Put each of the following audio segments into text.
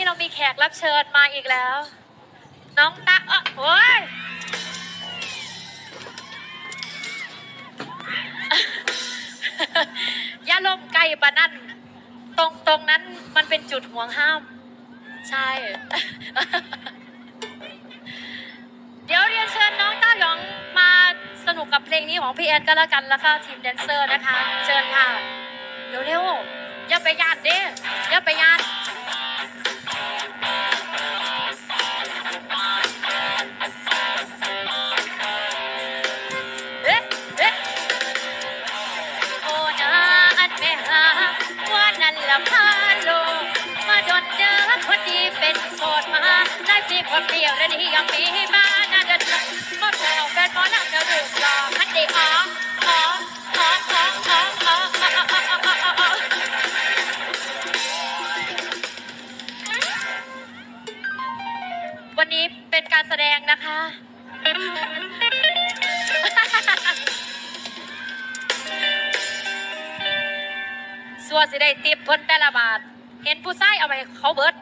เรามีแขกรับเชิญมาอีกแล้ว น้องตาโอ้ยอย่าลมไกลปะนั่นตรงนั้นมันเป็นจุดห่วงห้าม ใช่ เดี๋ยวเรียนเชิญน้องต้าหยองมาสนุกกับเพลงนี้ของพี่แอดก็แล้วกันแล้วก็ทีมแดนเซอร์นะคะ เชิญค่ะเร็วๆอย่าไปยานเด้อย่าไปยานโอ้นาอันแม่หาว่านั่นละพาโลมาโดนเจอคนดีเป็นโสดมาได้ปีคนเดียวและนี่ยังมีมาน่าเดินมาแปลวแฟนหมอลำเดือดร้อนคันดีวันนี้เป็นการแสดงนะคะส่วนสิได้ติบเพิ่นแต่ละบาทเห็นผู้ชายเอาไปเขาเบิด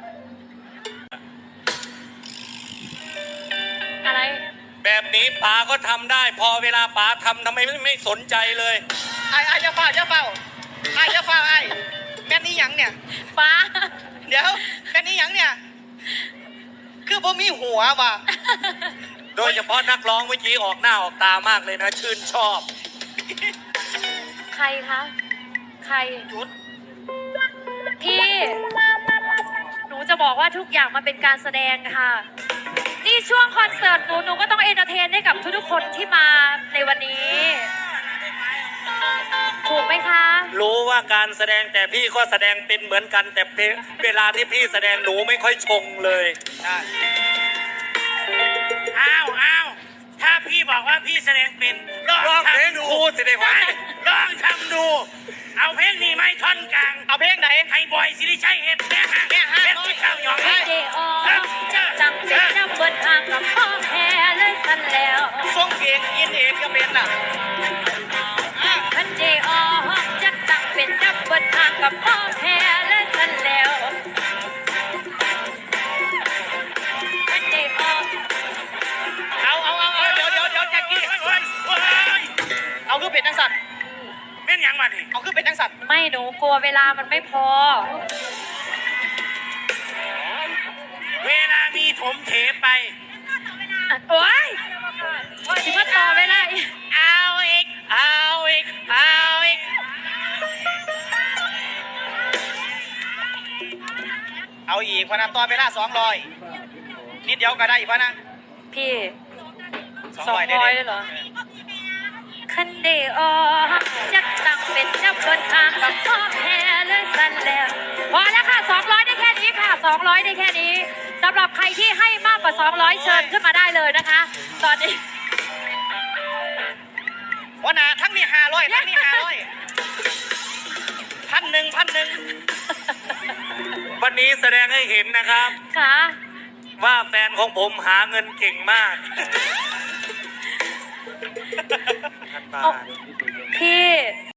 อะไรแบบนี้ป๋าก็ทำได้พอเวลาป๋าทำไมไม่สนใจเลยไอ้อย่าเฝ้าไอ้แม่นี่ยังเนี่ยป้าเดี๋ยวแม่นี่ยังเนี่ยคือผมมีหัวว่ะโดยเฉพาะนักร้องเมื่อกี้ออกหน้าออกตามากเลยนะชื่นชอบใครคะใครจุดพี่หนูจะบอกว่าทุกอย่างมันเป็นการแสดงค่ะนี่ช่วงคอนเสิร์ตหนูก็ต้องเอนเตอร์เทนให้กับทุกๆคนที่มาในวันนี้ถูกไหมคะรู้ว่าการแสดงแต่พี่ก็แสดงเป็นเหมือนกันแต่เวลาที่พี่แสดงหนูไม่ค่อยชงเลยอ้าวถ้าพี่บอกว่าพี่แสดงเป็นลองเพลงครูสิได้ไหมลองทำดูเอาเพลงนี้ไหมท่อนกลางเอาเพลงไหนให้บอยสิริชัยเฮ็ดแม่ห่างเพชรที่เจ้าหยองเดอจังเป็นน้ำเบิดห่างกับพ่อแพ้เลยสันแล้วส่งเสียงอินเอกก็เป็นน่ะพันเดอจักตั้งเป็นน้ำเบิดห่างกับพ่อแพ้เลยสันแล้วพันเดอเอาเดี๋ยวแจ็คกี้เอาคือเป็ดจังสัตว์แม่นยังมาดิเอาคือเป็ดจังสัตว์ไม่หนูกลัวเวลามันไม่พอเวลามีถมเถไปโอ๊ยคิดว่าต่อเวลาเอาอีกเอาอีกพนันต่อเวลา200นิดเดียวก็ได้อีกพนะพี่200เลยเหรอคันเดอจักตั้งเป็นเจ้าบนทางกับพ่อแพ้เลยสันแล้วพอแล้วค่ะ200ได้แค่นี้ค่ะ200ได้แค่นี้สำหรับใครที่ให้มากกว่า200เชิญขึ้นมาได้เลยนะคะตอนนี้วันน่ะทั้งนี้500ทั้งนี้500พันหนึ่งวันนี้แสดงให้เห็นนะครับค่ะว่าแฟนของผมหาเงินเก่งมากพี่